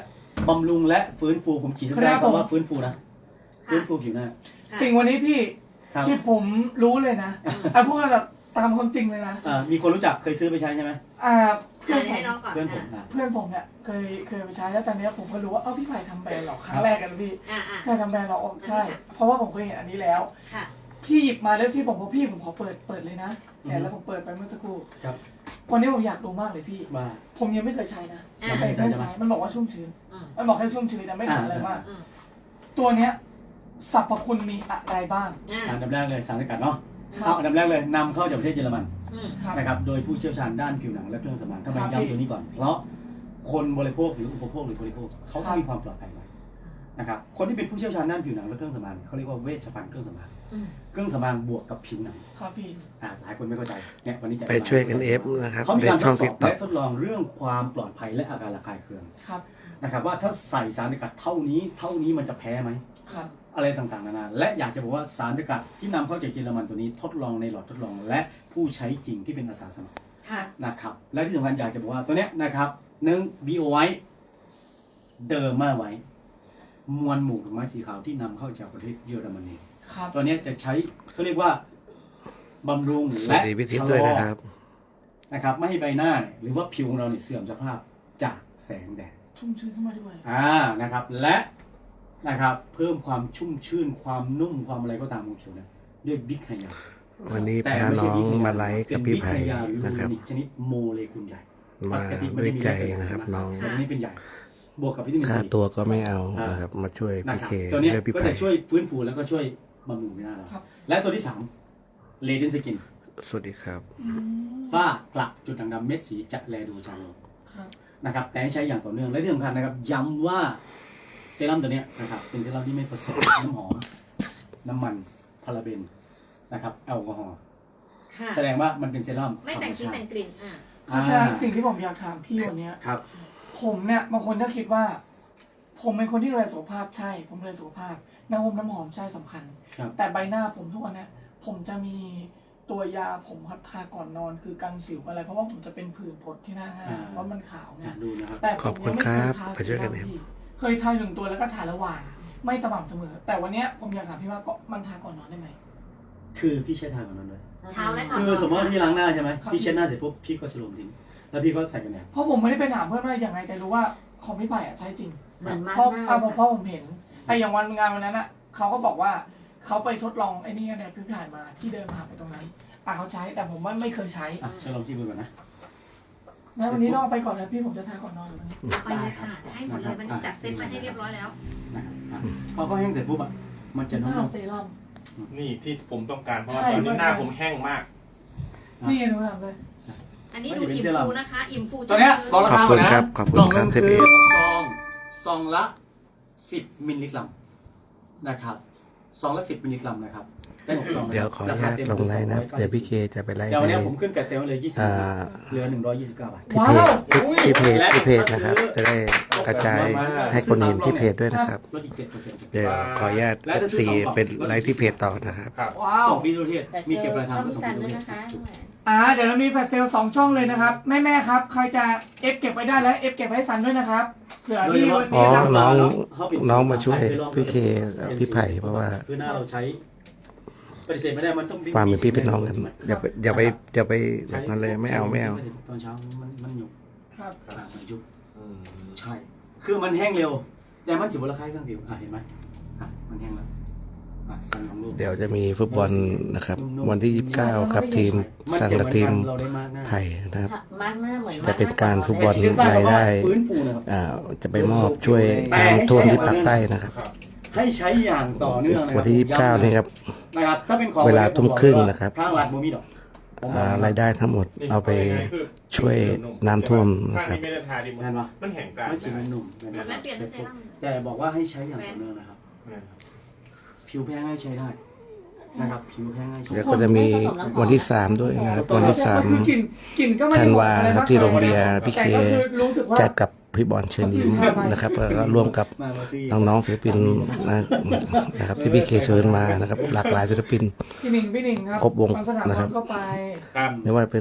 [SPEAKER 1] บำรุงและฟื้นฟูผมขีดเส้นใต้คำว่าฟื้นฟูนะฟื้นฟูผิวหน้า
[SPEAKER 3] สิ่งวันนี้พี่
[SPEAKER 1] ครับ
[SPEAKER 3] ที่ผมรู้เลยนะอ่ะพูดแบบตามความจริงเลยนะ
[SPEAKER 1] อ่ามีคนรู้จักเคยซื้อไปใช้ใช่ไหม
[SPEAKER 3] อ่าเพื่อนผ
[SPEAKER 2] ให้
[SPEAKER 3] ม
[SPEAKER 2] น้องก่อน
[SPEAKER 1] เพื่อนผม
[SPEAKER 2] อ่ะ
[SPEAKER 1] อ่ะ
[SPEAKER 3] เพื่อนผมเนี่ยเคยเคยไปใช้แล้วตอนเนี้ยผมก็รู้ว่าเอ้าพี่ไผ่ทำแบรนด์เหรอครั้งแรกกันพี่
[SPEAKER 2] อ่ะอ่ะ
[SPEAKER 3] เคยทำแบรนด์เหรออ๋อใช่ เพราะว่าผมเคยเห็นอันนี้แล้ว
[SPEAKER 2] ค่ะ
[SPEAKER 3] พี่หยิบมาแล้วพี่บอกว่าพี่ผมขอเปิดเปิดเลยนะเนี่ยแล้วผมเปิดไปเมื่อสักครู่
[SPEAKER 1] ครับ
[SPEAKER 3] วันนี้ผมอยากรู้มากเลยพี่
[SPEAKER 1] มา
[SPEAKER 3] ผมยังไม่เคยใช้นะ
[SPEAKER 2] อ่า
[SPEAKER 3] แต่เพื่อนใช้มันบอกว่าชุ่มชื้น
[SPEAKER 2] อืม
[SPEAKER 3] มันบอกแค่ชุ่มชื้นแต่ไม่ทำอะไรมาก
[SPEAKER 2] อืม
[SPEAKER 3] ตัวเนี้ยสรรพคุณมีอะไรบ้าง
[SPEAKER 2] อ่ะ
[SPEAKER 1] อันดับแรกเลยสารสกัดเนาะ
[SPEAKER 3] ครับ
[SPEAKER 1] เอาอันดับแรกเลยนำเข้าจากประเทศเยอรมัน
[SPEAKER 2] อืม
[SPEAKER 3] ครับ
[SPEAKER 1] นะครับโดยผู้เชี่ยวชาญด้านผิวหนังและเครื่องสำอางทำไม
[SPEAKER 3] ครับ
[SPEAKER 1] ย้ำตัวนี้ก่อน เพราะคนบริโภคหรืออุปโภคหรือบริโภคเขา
[SPEAKER 3] ครั
[SPEAKER 1] ต้อง
[SPEAKER 3] บ
[SPEAKER 1] มีความปลอดภัยไว้นะครับคนที่เป็นผู้เชี่ยวชาญด้านผิวหนังและเครื่องสำอางเขาเรียกว่าเวชภัณฑ์เครื่องสำอาง
[SPEAKER 2] อืม
[SPEAKER 1] เครื่องสำอางบวกกับผิวหนัง
[SPEAKER 3] ครับพี่
[SPEAKER 1] อ่าหลายคนไม่เข้าใจเนี่ยวันนี้จะ
[SPEAKER 6] ไปช่วยกันเอฟนะครับ
[SPEAKER 1] เขามี
[SPEAKER 6] ใน
[SPEAKER 1] การท
[SPEAKER 6] ช่อ
[SPEAKER 1] ด
[SPEAKER 6] ง
[SPEAKER 1] ส
[SPEAKER 6] ติ๊
[SPEAKER 1] อก บ
[SPEAKER 6] ต็อก
[SPEAKER 1] และทดลองเรื่องความปลอดภัยและอาการระคายเคือง
[SPEAKER 3] ครับ
[SPEAKER 1] นะครับว่าถ้าใส่สารสกัดเท่านี้เท่านี้มันจะแพ้ไหม
[SPEAKER 3] ครับ
[SPEAKER 1] อะไรต่างๆนานาและอยากจะบอกว่าสารสกัดที่นำเข้าจากเยอรมันตัวนี้ทดลองในหลอดทดลอง และผู้ใช้จริงที่เป็นอาสาสมัคร
[SPEAKER 2] ค่ะ
[SPEAKER 1] นะครับและที่สำคัญอยากจะบอกว่าตัวเนี้ยนะครับหนึ่ง บี โอ ไว้เดิมมาไว้ มวลหมู่ดอกไม้สีขาวที่นำเข้าจากประเทศเยอรมนี
[SPEAKER 3] ครับ
[SPEAKER 1] ตัวเนี้ยจะใช้เขาเรียกว่าบำรุง
[SPEAKER 6] สวั
[SPEAKER 1] และ
[SPEAKER 6] สดีพี่ทิพย์ด้วยนะครับ
[SPEAKER 1] นะครับไม่ให้ใบหน้าเนี่ยหรือว่าผิวของเราเนี่ยเสื่อมสภาพจากแสงแดด
[SPEAKER 3] ชุ่มชื้นขึ้นมาด้วย
[SPEAKER 1] อ่านะครับและนะครับเพิ่มความชุ่มชื่นความนุ่มความอะไรก็ตามของผิวเนี่ยด้วยบิ๊กไฮยา
[SPEAKER 6] วันนี้
[SPEAKER 1] แต่
[SPEAKER 6] พา
[SPEAKER 1] ไม่
[SPEAKER 6] น้
[SPEAKER 1] ใช่
[SPEAKER 6] อง
[SPEAKER 1] บิ๊กไฮย
[SPEAKER 6] มาไลฟ์กับพี่ไผ่
[SPEAKER 1] เป็นบิ๊กไฮยาหรือ
[SPEAKER 6] นะครับ
[SPEAKER 1] ยูนิคชนิดโมเลกุลใหญ่
[SPEAKER 6] มาด้วยใจนะครับน้อง
[SPEAKER 1] แต่อันนี้เป็นใหญ่ บวกกับวิตามิน
[SPEAKER 6] ค่า
[SPEAKER 1] ซี
[SPEAKER 6] ตัวก็ไม่เอานะครับ มาช่วย
[SPEAKER 1] นะ
[SPEAKER 6] พี่
[SPEAKER 1] ครั
[SPEAKER 6] เค
[SPEAKER 1] บตัวเนี้ย
[SPEAKER 6] ด้วยพี่
[SPEAKER 1] ก็
[SPEAKER 6] ไผ่
[SPEAKER 1] จะช่วยฟื้นฟูแล้วก็ช่วยบำรุงผิวหน้าเรา
[SPEAKER 3] ครับ
[SPEAKER 1] และตัวที่สามเลดินสกิน
[SPEAKER 6] สวัสดีครับ
[SPEAKER 3] อืม
[SPEAKER 1] ฝ้ากระจุดด่างดำเม็ดสีจะแลดูจางลง
[SPEAKER 3] ครับ
[SPEAKER 1] นะครับแต่ให้ใช้อย่างต่อเนื่องและที่สำคัญนะครับย้ำว่าเซรั่มตัวเนี้ยนะครับเป็นเซรั่มที่ไม่ผสม น้ำหอม น้ำมันพาราเบนนะครับแอลกอฮอล์
[SPEAKER 2] ค่ะ
[SPEAKER 1] แสดงว่ามันเป็นเซรั่ม
[SPEAKER 2] ไม่แต่งสีแต่งกลิ่น อ่ะ
[SPEAKER 3] เพราะฉะนั้นสิ่งที่ผมอยากถามพี่วันเนี้ย
[SPEAKER 1] ครับ
[SPEAKER 3] ผมเนี่ยบางคนถ้าคิดว่า ผมเป็นคนที่ดูแลสุขภาพใช่ ผมดูแลสุขภาพน้ำหอมน้ำหอมใช่สำคัญ
[SPEAKER 1] ครับ
[SPEAKER 3] แต่ใบหน้าผมทุกวันเนี้ยผมจะมีตัวยาผมครับทาก่อนนอนคือกันสิวอะไร เพราะว่าผมจะเป็นผื่นผดที่หน้าห้า
[SPEAKER 1] อ่า
[SPEAKER 3] เพราะมันขาวไง
[SPEAKER 1] อ่ะดูนะครับ
[SPEAKER 3] แต่
[SPEAKER 6] ขอบ
[SPEAKER 3] ผม
[SPEAKER 6] คุ
[SPEAKER 3] ยั
[SPEAKER 6] ณ
[SPEAKER 3] งไม่
[SPEAKER 6] ค
[SPEAKER 3] เค
[SPEAKER 6] รั
[SPEAKER 3] ย
[SPEAKER 6] บ
[SPEAKER 3] ทา
[SPEAKER 6] ไปช่วยกัน
[SPEAKER 3] เซ
[SPEAKER 6] เอ
[SPEAKER 3] รั่ม
[SPEAKER 6] ฟ
[SPEAKER 3] พี่เคยทาหนึ่งตัวแล้วก็ทาระหว่างไม่สม่ำเสมอ แต่วันเนี้ยผมอยากถามพี่ว่าก็มันทาก่อนนอนได้ไหม
[SPEAKER 1] คือพี่ใช้ทางของนั้นเลย
[SPEAKER 2] เช้าและก่อน
[SPEAKER 1] คือสมมติว่าพี่ล้างหน้าใช่ไหม
[SPEAKER 3] ครับ
[SPEAKER 1] พี่เช็ดหน้าเสร็จปุ๊บพี่ก็สโลมทิ้งแล้วพี่ก็ใส่กันแดด
[SPEAKER 3] เพราะผมไม่ได้ไปถามเพื่อนว่าอย่างไรแต่รู้ว่าของพี่ไผ่อะใช้จริง
[SPEAKER 4] เหมือนมา
[SPEAKER 3] เพราะ
[SPEAKER 4] หน้า
[SPEAKER 3] อ่ะผมเพราะผมเห็นไอ้อย่างวันงานวันนั้นอ่ะเขาก็บอกว่าเขาไปทดลองไอ้นี่กันเนี่ยพี่ผ่านมาที่เดินผ่านไปตรงนั้นอ่ะเขาใช้แต่ผมว่าไม่เคยใช้
[SPEAKER 1] อ่ะใช้ลองที่มือก่อนนะ
[SPEAKER 3] งั้นวันนี้ต้องเอาไปก่อนนะพี่ผมจะทาก่อนนอนอยู่วันนี้
[SPEAKER 2] เอาไปเลยค่ะให้หมดเลยมันจัดเซตมาให้เรียบร้อยแล้ว
[SPEAKER 1] นะครับอ่ะพอเขาแห้งเสร็จปุ๊บอ่ะมันจะ
[SPEAKER 3] ห
[SPEAKER 1] นุ่
[SPEAKER 3] น้าม เซรั่ม
[SPEAKER 5] นี่ที่ผมต้องการเพราะว่า
[SPEAKER 3] ใช่
[SPEAKER 5] ตอนนี้หน้า
[SPEAKER 3] ใช่
[SPEAKER 5] ผมแห้งมาก
[SPEAKER 3] นี่ไงหนูทำเลย
[SPEAKER 2] อันนี้ดูอิ่มฟูนะคะ อิ่มฟู
[SPEAKER 1] ๆตัวเนี้ยบอกรา
[SPEAKER 6] ขอบ
[SPEAKER 1] คา
[SPEAKER 6] คุ
[SPEAKER 1] ก่อน
[SPEAKER 6] ณ
[SPEAKER 1] นะครับ
[SPEAKER 6] ขอบคุณ
[SPEAKER 1] กล่อง
[SPEAKER 6] ครั
[SPEAKER 1] นึ
[SPEAKER 6] บ
[SPEAKER 1] ง
[SPEAKER 6] เทป
[SPEAKER 1] คือ
[SPEAKER 6] เอฟ
[SPEAKER 1] ซองซองละสิบมิลลิกรัมนะครับซองละสิบมิลลิกรัมนะครับได้หกซองนะ
[SPEAKER 6] เดี๋ยวขออนุญาตลงไลน์นะครับเดี๋ยวพี่เคจะไปไลฟ์
[SPEAKER 1] เดี๋ยววัน
[SPEAKER 6] ใน
[SPEAKER 1] นี้ผมขึ้นแฟลชเซลเลยยี่สิบ
[SPEAKER 6] อ่า
[SPEAKER 1] เหลือหนึ่งร้อยยี่สิบเก้าบาท
[SPEAKER 6] ที่เพจที่เพจที่เพจนะครับ จะได้กระจายให้คนเห็นที่เพจด้วยนะครับ
[SPEAKER 1] ลดอีกเจ็ดเปอร์เซ็นต์
[SPEAKER 6] เดี๋ยวขออนุญาตเอฟซีเป็นไลฟ์ที่เพจต่อนะครับ
[SPEAKER 5] ครับ
[SPEAKER 3] ว้าว
[SPEAKER 1] ส่งฟรีทั่วประเทศ
[SPEAKER 4] แต่
[SPEAKER 1] มี
[SPEAKER 4] เซล
[SPEAKER 1] เก็บ
[SPEAKER 4] ล์
[SPEAKER 1] ปลายทา
[SPEAKER 4] ช่
[SPEAKER 1] ง
[SPEAKER 4] อง
[SPEAKER 1] ก็ส่งฟ
[SPEAKER 4] สั
[SPEAKER 1] รี
[SPEAKER 4] น
[SPEAKER 1] ทั่ว
[SPEAKER 4] ด้
[SPEAKER 1] ป
[SPEAKER 4] วย
[SPEAKER 1] ระเทศ
[SPEAKER 4] นะคะ
[SPEAKER 3] อ่าเดี๋ยวเรามีแฟลชเซลล์สองช่องเลยนะครับแม่แม่ๆครับใครจะเอฟเก็บไว้ได้แล้วเอฟเก็บไว้ให้สันด้วยนะครับเผื่อที่วัน
[SPEAKER 6] อ๋อ
[SPEAKER 3] นี้นะ
[SPEAKER 6] น้องน้องมาช่วยพี่เคกับพี่ไผ่เพราะว่า
[SPEAKER 1] คือหน้าเราใช้ปฏิเสธไม่ได้มันต้อง
[SPEAKER 6] ความเป็นพี่เป็นน้องกันอย่าไปอย่าไปอย่าไปแบบนั้นเลยไม่เอาไม่เอา
[SPEAKER 1] ตอนเช้ามันมันหยุบ
[SPEAKER 3] ครับ
[SPEAKER 1] อ่ามันยุบ
[SPEAKER 5] อืม
[SPEAKER 1] ใช่ คือมันแห้งเร็ว แต่มันสิบวันละคล้ายเครื่องผิวอ่ะเห็นไหมอ่ะมันแห้งแล้วอ่ะสั่นของลูก
[SPEAKER 6] เดี๋ยวจะมีฟุตบอลนะครับ วันที่ยี่สิบเก้าครับทีมสังกับทีม
[SPEAKER 1] เราได้มากหน้า
[SPEAKER 6] ไผ่นะครับ
[SPEAKER 4] มาร์กหน้าเหมือน
[SPEAKER 6] จะเป็นการฟุตบอล
[SPEAKER 1] เส้นใต้
[SPEAKER 6] รายได้
[SPEAKER 1] ฟื้นฟูนะครับ
[SPEAKER 6] อ่าจะไปมอบช่วยน้ำท่วมที่ปากใต้นะครับ
[SPEAKER 5] ครับ
[SPEAKER 1] ให้ใช้อย่างต่อเนื่องะครับ
[SPEAKER 6] วันที่ยี่สิบเก้านี่ครับ
[SPEAKER 1] นะครับถ้าเป็นของ
[SPEAKER 6] เวลาทุ่มครึ่งนะครับ
[SPEAKER 1] ทางร้านโมมีดอกผม
[SPEAKER 6] อ่ารายได้ทั้งหมด
[SPEAKER 5] นี่
[SPEAKER 6] เอาไป
[SPEAKER 5] คือ
[SPEAKER 6] ช่วยน้ำท่วมนะค
[SPEAKER 5] ข้า
[SPEAKER 6] รั
[SPEAKER 5] ง
[SPEAKER 6] บ
[SPEAKER 5] นี้ไม่ได้ทาดิมัน
[SPEAKER 1] เห็นปะ
[SPEAKER 5] มันแห้งกลาง
[SPEAKER 1] ไม่ฉีดมันหนุ่มเห็นปะ
[SPEAKER 2] แม่เปลี่ยนเป็นเซรั่ม
[SPEAKER 1] แต่บอกว่าให้ใช้อย่างต่อเนื่องนะครับ ผิวแพ้ง่ายใช้ได้นะครับ ผิวแพ้ง่ายใช้
[SPEAKER 6] เดี๋ยว
[SPEAKER 1] ได้
[SPEAKER 6] ก็จะมีวันที่สามด้วยนะครับ วันที่สาม
[SPEAKER 3] คือกลิ่นกลิ่นก็ไม่ได้
[SPEAKER 6] ธันวา
[SPEAKER 3] บอกอะไ
[SPEAKER 6] ครับที่โรงเบียร์พี่เค
[SPEAKER 3] แต่ก็คือรู้สึกว่า
[SPEAKER 6] จัดกับพี่บอลเชิญยิ้มนะครับแล้วก็ร่วมกับ
[SPEAKER 1] มามาซี่
[SPEAKER 6] น้องๆศิลปินนะนะครับที่พี่เคเชิญมานะครับ หลากหลายศิลปิน
[SPEAKER 3] พี่หนิงพี่หนิงครับ
[SPEAKER 6] ครบวง
[SPEAKER 3] บางสนาม
[SPEAKER 6] นะครับ
[SPEAKER 3] ก็ไป
[SPEAKER 5] ตาม
[SPEAKER 6] ไม่ว่าเป็น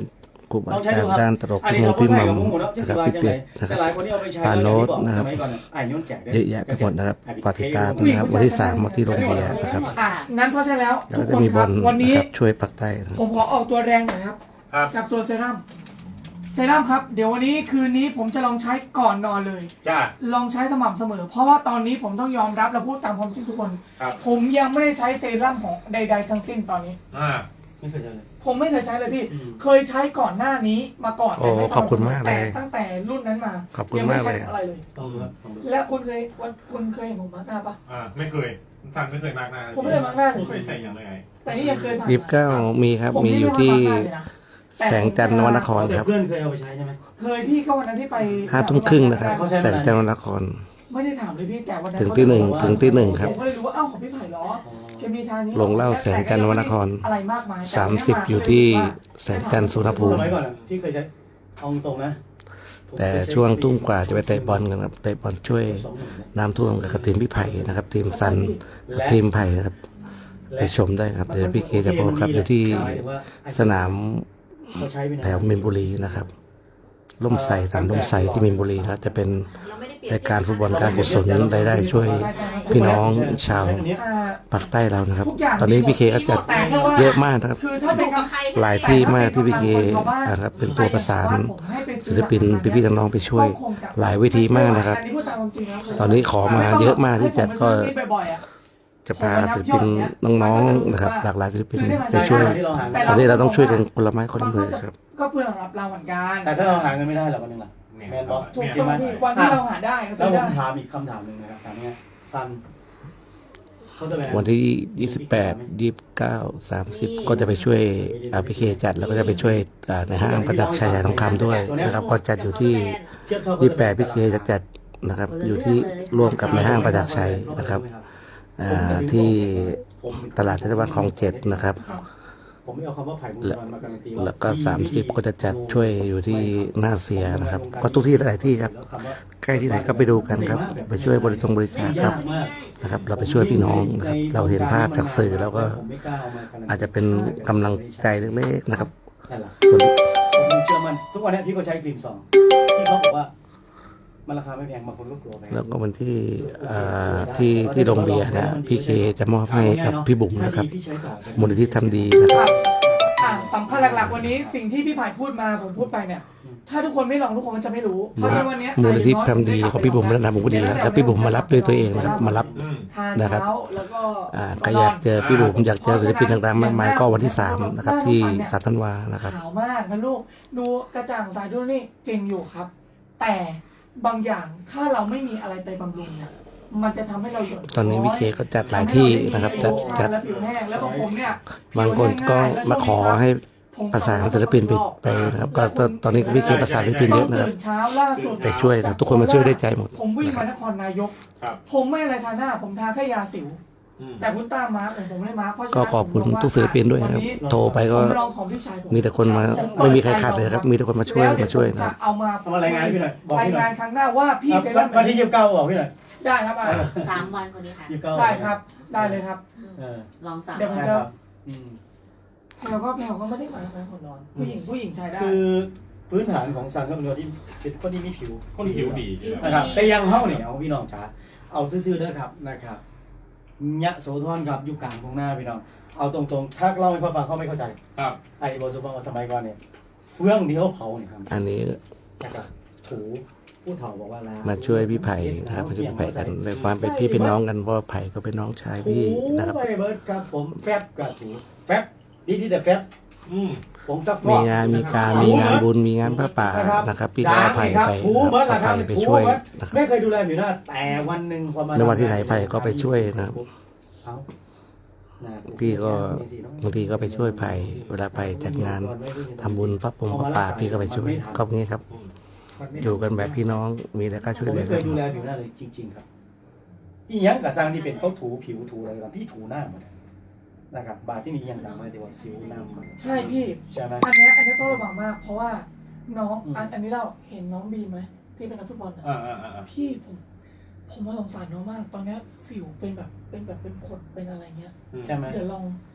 [SPEAKER 6] ครูบาอาจารย์ด้านตลกพี่มงพี่มัมนะครับพี่เป็ดนะครับ
[SPEAKER 1] แต่หลายคนที่เอาไปใช้
[SPEAKER 6] ปาโน้ตนะครับ
[SPEAKER 1] สมัยก่อนไอ้ย้อนแจกได้
[SPEAKER 6] เยอะแยะไปหมดนะครับฝากติดตามนะครับวันที่สามวันที่โรงเรียนนะครับ
[SPEAKER 3] อ่ะนั้นเพราะฉะนั้นแล้ว
[SPEAKER 6] แล้ว
[SPEAKER 3] ทุ
[SPEAKER 6] ก็
[SPEAKER 3] ก
[SPEAKER 6] จะ
[SPEAKER 3] คน
[SPEAKER 6] มี
[SPEAKER 3] ค
[SPEAKER 6] บ
[SPEAKER 3] รั
[SPEAKER 6] อบ ล
[SPEAKER 3] วันนี้
[SPEAKER 6] นะครับช่วยปักใต้นะครับ
[SPEAKER 3] ผมขอออกตัวแรงหน่อยครับ
[SPEAKER 5] ครับ
[SPEAKER 3] กับตัวเซรั่มเซรั่มครับ เดี๋ยววันนี้คืนนี้ผมจะลองใช้ก่อนนอนเลย
[SPEAKER 5] จ้า
[SPEAKER 3] ลองใช้สม่ำเสมอ เพราะว่าตอนนี้ผมต้องยอมรับและพูดตามความจริงทุกคน
[SPEAKER 5] ครับ
[SPEAKER 3] ผมยังไม่ได้ใช้เซรั่มของใด ๆ ทั้งสิ้นตอนนี้
[SPEAKER 5] อ่า
[SPEAKER 1] ไม่เคยเจอเลย
[SPEAKER 3] ผมไม่เคยใช้เลยพี่
[SPEAKER 1] อืม
[SPEAKER 3] เคยใช้ก่อนหน้านี้มาก่อน
[SPEAKER 6] โอ้
[SPEAKER 3] แต่ไม่
[SPEAKER 6] ขอบคุณมากเลย
[SPEAKER 3] แต่ตั้งแต่รุ่นนั้นมา
[SPEAKER 6] ขอบคุณมากเลย
[SPEAKER 3] งไใช้อะไรเลย
[SPEAKER 1] ต้องดูครับต้องดู
[SPEAKER 3] และคุณเคยวันคุณเคยเห็นผมมาร์กหน้าปะ
[SPEAKER 5] อ่าไม่เคยสั่งไม่เคยมากหน้า
[SPEAKER 3] ผมไม่เคยมาร์กหน้าเลย
[SPEAKER 5] ไม่ใส่อย่างไรไง
[SPEAKER 3] แต่นี่ยังเคยผ่าน
[SPEAKER 6] ยี่สิบเก้ามีครับ
[SPEAKER 3] ผม
[SPEAKER 6] มี
[SPEAKER 3] นี่
[SPEAKER 6] อยู่
[SPEAKER 3] ไ
[SPEAKER 6] ที่
[SPEAKER 3] มาร์กหน้าเลยนะแต่
[SPEAKER 6] แสงจันทร์นวนคร
[SPEAKER 1] แต่
[SPEAKER 6] ครับ
[SPEAKER 1] เพื่อนเคยเอาไปใช้ใช่ไหม
[SPEAKER 3] เคยพี่ก็วันนั้นที่ไป
[SPEAKER 6] ห้าทุ่มครึ่งนะครับ
[SPEAKER 1] เขาใช้
[SPEAKER 6] แสงจันทร์นวนคร
[SPEAKER 3] ไม่ได้ถามเลยพี่แต่วันนั้น
[SPEAKER 6] ถึงที่หนึ่ง
[SPEAKER 3] เขาจะบอกว่า
[SPEAKER 6] ถึงที่หนึ่งครับ
[SPEAKER 3] ผมก็เลยรู้ว่าเอ้าของพี่ไผ่เหรอแกมีทางนี้
[SPEAKER 6] ลงเหล้าแสงจันทร์นวนคร
[SPEAKER 3] อะไรมากมาย
[SPEAKER 6] สามสิบอยู่ที่แสงจันทร์สุรภู
[SPEAKER 1] ส
[SPEAKER 6] มิ
[SPEAKER 1] มัยก่อนอะพี่เคยใช้เอาตรงๆนะผม
[SPEAKER 6] แต่
[SPEAKER 1] เคยใช้
[SPEAKER 6] ช่วงตุ้มกว่าจะไปเตะบอลกันครับเตะบอลช่วย
[SPEAKER 1] สองหนึ่งนะ
[SPEAKER 6] น้ำท่วมกับทีมพี่ไผ่นะครับ ทีมซันกับทีมไผ่นะครับไปชมได้ครับเดี๋ยวพี่เคจะบอกครับอยู่ที่สนาม
[SPEAKER 1] เขาใช้ไปนาน
[SPEAKER 6] แถวมินบุรีนะครับล่มใสสามล่มใสที่มินบุรีนะครับจะเป็นรายการฟุตบอลการกุศลรายได้ช่วยพี่น้องชาว
[SPEAKER 3] อ่า
[SPEAKER 6] ปากใต้เรานะครับ
[SPEAKER 3] ทุกอย่าง
[SPEAKER 6] ตอนนี้พี่เคก็จัดเยอะมากนะครับ
[SPEAKER 3] คือถ้าเป็นกับ
[SPEAKER 6] หลายที่มากที่พี่เคนะครับเป็นตัวประสานศิลปินพี่ๆน้องๆไปช่วย หลายเวทีมากนะครับ
[SPEAKER 3] อัพูดตามความจริงนะ
[SPEAKER 6] ตอนนี้ขอมาเยอะมากที่จัดก็
[SPEAKER 3] ให้ผมไปซื้อบ่อยๆอะ
[SPEAKER 6] จะพาศิลปินน้องๆนะครับ หลากหลายศิลปินไปช่วย
[SPEAKER 1] ที่เราหา
[SPEAKER 6] ตอนนี้เราต้องช่วยกันคนละไม้คนละมือครับ
[SPEAKER 3] ก็เพื่อรับเราเหมือนกัน
[SPEAKER 1] แต่ถ้าเราหาเงินไม่ได้หรอกวันหนึงล่ะแมนบอก
[SPEAKER 3] ถูก
[SPEAKER 1] ใช่
[SPEAKER 3] ต้อง
[SPEAKER 1] ไหม
[SPEAKER 3] พี่วันที่เราหาได้ก็
[SPEAKER 1] แล้ว
[SPEAKER 3] ซื้อ
[SPEAKER 1] ผ
[SPEAKER 3] ได้
[SPEAKER 1] มถามอีกคำถามหนึ่งนะครับถามเนี้ยซันเขาจะแบ
[SPEAKER 6] วันที่ยี่สิบแปด ยี่สิบเก้า สามสิบก็จะไปช่วยอาพีเคจัดแล้วก็จะไปช่วยอ่าในห้างประจักษ์ชัยทองคำด้วยนะครับก็จัดอยู่ที่
[SPEAKER 1] เทียบเท่า
[SPEAKER 6] ยี่สิบแปดพีเคจะจัดนะครับ อยู่ที่ร่วมกับในห้างประจักษ์ชัยนะครับอ่าที่ตลาดเทศบาลคลองเจ็ดนะครับ
[SPEAKER 1] ผมไม่เอาคำว่าไผ่บุญมันมาการันตีว่า
[SPEAKER 6] แล้วก็สามสิบก็จะจัดช่วยอยู่ที่หน้าเสียนะครับ ก็ทุกที่หลายที่ครับ ใกล้ที่ไหนก็ไปดูกันครับ ไปช่วยบริจงบริจาคครับนะครับ เราไปช่วยพี่น้องนะครับ เราเห็นภาพจากสื่อแล้วก็อาจจะเป็นกำลังใจเล็กๆนะครับ
[SPEAKER 1] นั่นแหละ
[SPEAKER 6] ส่วน
[SPEAKER 1] ผมเชื่อมันทุกวันนี้พี่ก็ใช้กรีนซองที่เขาบอกว่ามันราคาไม่แพงบางคนก็กลัวแพง
[SPEAKER 6] แล้วก็วันที่อ่าที่ที่โรงเบียร์นะพี่เคจะมอบให้กับพี่บุ๋มนะครับมูลนิธิทำดีนะค
[SPEAKER 3] ค
[SPEAKER 6] รั
[SPEAKER 3] รับ บอ่ะสำคัญหลักๆวันนี้สิ่งที่พี่ไผ่พูดมาผมพูดไปเนี่ย ถ้าทุกคนไม่ลองทุกคนมันจะไม่รู้เพราะฉะนั้นวันเนี้ย
[SPEAKER 6] มูลนิธิทำดีของพี่บุ๋มและนำบุ๋มก็ดีครับแล้วพี่บุ๋มมารับด้วยตัวเองนะครับมารับ
[SPEAKER 5] อืม
[SPEAKER 3] ทาน
[SPEAKER 6] นะครับ
[SPEAKER 3] เช้าแล้วก็
[SPEAKER 6] อ่าก็อยากเจอพี่บุ๋มอยากเจอศิลปินต่างๆมากมายก็วันที่สามนะครับที่สามธันวานะครับ
[SPEAKER 3] ขาวมากนะลูกดูกระจ่างใสดูนี่จริงอยู่ครับ แต่บางอย่างถ้าเราไม่มีอะไรไปบำรุงเนี่ยมันจะทำให้เราหย่อน
[SPEAKER 6] ตอนนี้พี่เคก็จัดหลายที่นะครับจัดจัด
[SPEAKER 3] แล้วผิวแห้งแล้วของผมเนี่ย
[SPEAKER 6] บางคนก็มาขอให้ประสานศิลปินไปไปนะครับก็ตตอนนี้พี่เคประสานศิลปินเยอะนะครับ
[SPEAKER 3] ตื่นเช้าล่าสุด
[SPEAKER 6] ไปช่วยนะทุกคนมาช่วยได้วยใจหมด
[SPEAKER 3] ผมวิ่ง
[SPEAKER 6] นะค
[SPEAKER 3] มา
[SPEAKER 6] รับ
[SPEAKER 3] นครนายก
[SPEAKER 5] ครับ
[SPEAKER 3] ผมไม่อะไรทาหน้า ผมทาแค่ยาสิว
[SPEAKER 5] อืม
[SPEAKER 3] แต่คุณต้ามาร์กแต่ผมไม่ได้มาร์กเพราะฉะ
[SPEAKER 6] ก็
[SPEAKER 3] นั้น
[SPEAKER 6] ขอบคุณทุกศิลปินด้วยนะครับ โทรไปก็
[SPEAKER 3] ผมลองของพี่ชายผม
[SPEAKER 6] มีแต่คนมาไม่มีใครขาดเลยครับ มีแต่คนมาช่วยมาช่วยนะค
[SPEAKER 3] จะ
[SPEAKER 6] รับ
[SPEAKER 3] เอามา
[SPEAKER 1] ทำอะไรายงานให้พี่หน่อยบอก
[SPEAKER 3] ราย
[SPEAKER 1] พี่หน่
[SPEAKER 3] งา
[SPEAKER 1] อย
[SPEAKER 3] นครั้งหน้าว่าพี่
[SPEAKER 1] อ่ะ
[SPEAKER 3] เซ
[SPEAKER 1] วั
[SPEAKER 3] รั่
[SPEAKER 1] น
[SPEAKER 3] ม
[SPEAKER 1] วันที่ยี่สิบเก้าบอกพี่หน่อย
[SPEAKER 3] ได้ครับอ่ะ
[SPEAKER 4] สามวันคนนี้ค่ะ
[SPEAKER 1] ยี่สิบเก้า
[SPEAKER 3] ได้ครับ ได้เลยครับ
[SPEAKER 4] อืม
[SPEAKER 1] เออ
[SPEAKER 4] ลองสาม
[SPEAKER 3] เดี๋ยวผม
[SPEAKER 1] ได้
[SPEAKER 3] จะ
[SPEAKER 1] ครับอืม
[SPEAKER 3] แพลวก็แพลวก็ไม่ได้มาเป็นคนนอน ผู้หญิงผู้หญิงใช้ได้
[SPEAKER 1] คือพื้นฐานของซันก็เป็นคนที่เป็นคนที่มีผิว
[SPEAKER 5] คนผิวดี
[SPEAKER 1] นะครับแต่ยังเฮาเนี่ยเอาพี่น้องจ๋าเอาซื่อๆเด้อครับนะครับยะโสธรครับอยู่กลางตรงหน้าพี่น้องเอาตรงๆถ้าเล่าให้เขาฟังเขาไม่เข้าใจ
[SPEAKER 5] ครับ
[SPEAKER 1] ไอ้บอสุฟังว่าสมัยก่อนเนี่ยเฟื่องเดียวเผาเนี่ยครับ
[SPEAKER 6] อันนี้
[SPEAKER 1] นะครับถูผู้เฒ่าบอกว่าล้าง
[SPEAKER 6] มาช่วยพี่ไผ่นะครับมาช่วยพี่ไผ่กันในความเป็นพี่เป็นน้องกันเพราะว่าไผ่ก็เป็นน้องชายพี่นะครับ
[SPEAKER 1] ถูไปเบิร์ดครับผมแฟบกับถูแฟบดีดีแต่แฟบ
[SPEAKER 5] อืม
[SPEAKER 1] ผงซักฟอก
[SPEAKER 6] มีงานมีการมีงานบุญมีงานพระป่านะครับ พี่ก็เอาไผ่ไป
[SPEAKER 1] ถูเบิร์ด
[SPEAKER 6] เอา
[SPEAKER 1] ละครั
[SPEAKER 6] ไผ่
[SPEAKER 1] บ
[SPEAKER 6] ไป
[SPEAKER 1] ถู
[SPEAKER 6] ช่วย
[SPEAKER 1] เบิร์ด
[SPEAKER 6] นะครับ
[SPEAKER 1] ไม่เคยดูแลผิวหน้าแต่วันหนึ่งพอมา
[SPEAKER 6] ในวันที่ไหนไผ่ก็ไปช่วยนะครับ
[SPEAKER 1] เอาหน้า
[SPEAKER 6] พี่ก็บางทีก็ไปช่วยไผ่เวลาไผ่จัดงานทำบุญพระปงพระป่าพี่ก็ไปช่วยก็อย่างนี้ครับ อยู่กันแบบพี่น้องมีอะไรก็ช่วย
[SPEAKER 1] ผม
[SPEAKER 6] เหลื
[SPEAKER 1] ไม่
[SPEAKER 6] อ
[SPEAKER 1] เค
[SPEAKER 6] กั
[SPEAKER 1] ย
[SPEAKER 6] น
[SPEAKER 1] ดูแลผิวหน้าเลยจริง ๆ ครับอีหยังกับสร้างที่เป็นเขาถูผิวถูอะไรกันพี่ถูหน้าหมดนะครับ บาทที่มีอย่างต่างมาเดี๋ยวสิวหน้ามัน
[SPEAKER 3] ใช่พี่
[SPEAKER 1] ใช่ไหม
[SPEAKER 3] อันเนี้ยอันเนี้ยต้องระวังมาก เพราะว่าน้อง
[SPEAKER 1] อืม
[SPEAKER 3] อันอันนี้เราเห็นน้องบีมไหมที่เป็นนักฟุตบอลอะ
[SPEAKER 5] อ่าอ่าอ่า
[SPEAKER 3] พี่ผมผมว่าสงสารน้องมาก ตอนเนี้ยสิวเป็นแบบเป็นแบบเป็นผดเป็นอะไรเงี้ย
[SPEAKER 1] ใช่ไหม
[SPEAKER 3] เดี๋ยวลอง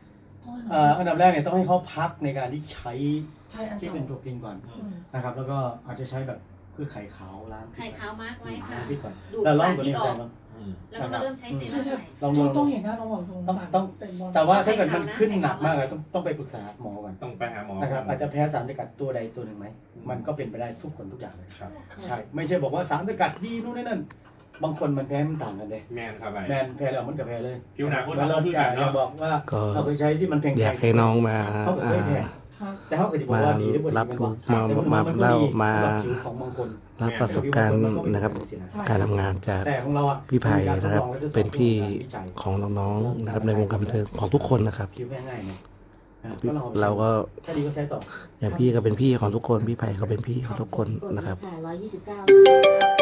[SPEAKER 1] เอ่ออันดับแรกเนี่ยต้องให้เขาพักในการที่ใช้
[SPEAKER 3] ใช่อัน
[SPEAKER 1] ที่
[SPEAKER 3] เก่า
[SPEAKER 1] เป็นโปรตีนก่อน
[SPEAKER 3] อืม
[SPEAKER 1] นะครับ แล้วก็อาจจะใช้แบบคือไข่ขาวล้าง
[SPEAKER 2] ไข่ขาวมาร์กไว้ค่ะ
[SPEAKER 1] ล้างพิษก่อน
[SPEAKER 2] ดูด
[SPEAKER 1] แล้วลอ
[SPEAKER 2] สาง ร
[SPEAKER 1] ตัว
[SPEAKER 2] พิ
[SPEAKER 1] นี้
[SPEAKER 2] ษอ
[SPEAKER 1] แท
[SPEAKER 2] อก
[SPEAKER 1] น
[SPEAKER 5] อืม
[SPEAKER 2] แล้วก็มาเริ่มใช้เซ
[SPEAKER 3] ใช่
[SPEAKER 2] รั่ม
[SPEAKER 3] ใช่
[SPEAKER 2] ใหม่
[SPEAKER 1] ลอง
[SPEAKER 3] ต้
[SPEAKER 1] ดู
[SPEAKER 3] องต้องเห็นหน้าน้องบอกตรง
[SPEAKER 1] ต้อง
[SPEAKER 3] ต่าง
[SPEAKER 1] ต้อง
[SPEAKER 3] เป็นบอล
[SPEAKER 1] แต่ว่าถ้าเกิด
[SPEAKER 2] ไข่
[SPEAKER 1] มัน
[SPEAKER 2] ขาวนะ
[SPEAKER 1] ขึ้นหนัก
[SPEAKER 2] ไข่ขาว
[SPEAKER 1] มากเลยต้องต้องไปปรึกษาหมอก่อน
[SPEAKER 5] ต้องไปหาหมอ
[SPEAKER 1] นะครับอาจจะแพ้สารสกัดตัวใดตัวหนึ่งไหมมันก็เป็นไปได้ทุกคนทุกอย่างเลย
[SPEAKER 5] ครับ
[SPEAKER 1] ใช่ไม่ใช่บอกว่าสารสกัดดีนู่นนี่นั่นบางคนมันแพ้มันต่างกันเลย
[SPEAKER 5] แมนครับไอ้
[SPEAKER 1] แมนแพ้แล้วมันกับแพ้เลย
[SPEAKER 5] ผิวหนังคน
[SPEAKER 1] แล้วเรา
[SPEAKER 5] เรา
[SPEAKER 1] ที่
[SPEAKER 5] คือกันเนอะ
[SPEAKER 1] บอกว่า
[SPEAKER 6] ก็
[SPEAKER 1] เราเคยใช้ที่มันแพงๆ
[SPEAKER 6] อยากให้น้องมา
[SPEAKER 1] เขาบอก
[SPEAKER 6] อ่า
[SPEAKER 1] ไม่แพง
[SPEAKER 3] ครับ
[SPEAKER 1] แต่เขาเคยบอก
[SPEAKER 6] มา
[SPEAKER 1] ว่าดีที่
[SPEAKER 6] รับรู้
[SPEAKER 1] แต่
[SPEAKER 6] มา
[SPEAKER 1] บง
[SPEAKER 6] มา
[SPEAKER 1] คนนก็
[SPEAKER 6] เล่า
[SPEAKER 1] ดี
[SPEAKER 6] มา
[SPEAKER 1] สำหรับผิวของบางคน
[SPEAKER 6] รับประสบการณ์นะครับ การทำงานจาก
[SPEAKER 1] แต่ของเราอะ
[SPEAKER 6] พี่ไผ่นะครับ
[SPEAKER 1] มีกาทดลองและทดสอบ
[SPEAKER 6] เป็นพี่
[SPEAKER 1] การวิจัย
[SPEAKER 6] ของน้องๆนะครับในวงการบันเทิงของทุกคนนะครับ
[SPEAKER 1] ผิวง่ายๆไงอ่ะ
[SPEAKER 6] เราก็
[SPEAKER 1] แค่ดีก็ใช้ต่อ
[SPEAKER 6] อย่างพี่ก็เป็นพี่ของทุกคนพี่ไผ่ก็เป็นพี่ของทุกคนนะครับ
[SPEAKER 4] ร้อยยี่สิบเก้า